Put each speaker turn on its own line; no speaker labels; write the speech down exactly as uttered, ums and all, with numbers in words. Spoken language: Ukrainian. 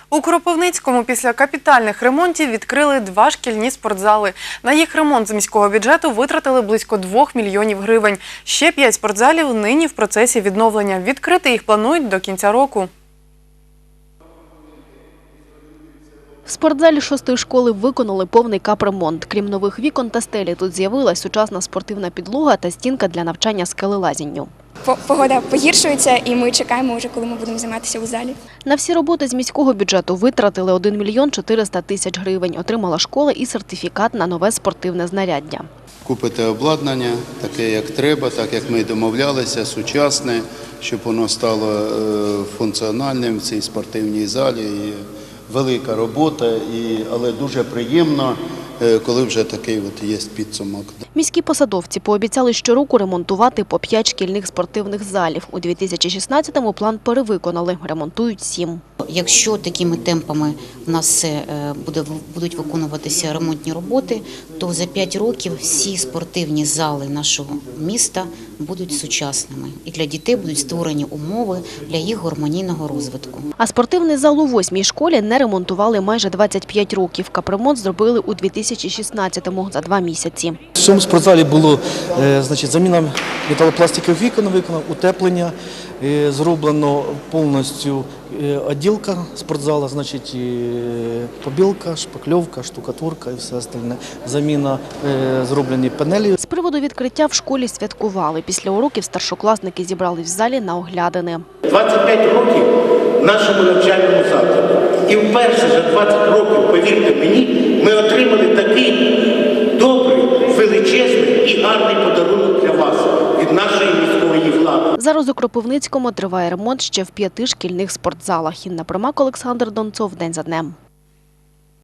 У Кропивницькому після капітальних ремонтів відкрили два шкільні спортзали. На їх ремонт з міського бюджету витратили близько двох мільйонів гривень. Ще п'ять спортзалів нині в процесі відновлення. Відкрити їх планують до кінця року.
В спортзалі шостої школи виконали повний капремонт. Крім нових вікон та стелі, тут з'явилась сучасна спортивна підлога та стінка для навчання скелелазінню.
Погода погіршується і ми чекаємо вже, коли ми будемо займатися у залі.
На всі роботи з міського бюджету витратили один мільйон чотириста тисяч гривень. Отримала школа і сертифікат на нове спортивне знаряддя.
Купити обладнання таке, як треба, так як ми домовлялися, сучасне, щоб воно стало функціональним в цій спортивній залі. І велика робота, і, але дуже приємно, коли вже такий от є підсумок.
Міські посадовці пообіцяли щороку ремонтувати по п'ять шкільних спортивних залів. У дві тисячі шістнадцятому план перевиконали, ремонтують сім.
Якщо такими темпами в нас буде, будуть виконуватися ремонтні роботи, то за п'ять років всі спортивні зали нашого міста будуть сучасними. І для дітей будуть створені умови для їх гармонійного розвитку.
А спортивний зал у восьмій школі не ремонтували майже двадцять п'ять років. Капремонт зробили у дві тисячі шістнадцятому за два місяці.
В цьому спортзалі було значить, заміна металопластикових вікон, виконано утеплення, зроблено повністю відділка спортзалу, значить, побілка, шпакльовка, штукатурка і все остальне. Заміна зроблені панелі.
З приводу відкриття в школі святкували. Після уроків старшокласники зібрались в залі на оглядини.
двадцять п'ять років в нашому навчальному закладі. І вперше за двадцять років, повірте мені, ми отримали такий добрий, величезний і гарний подарунок для вас від нашої міської влади.
Зараз у Кропивницькому триває ремонт ще в п'яти шкільних спортзалах. Інна Примак, Олександр Донцов. День за днем.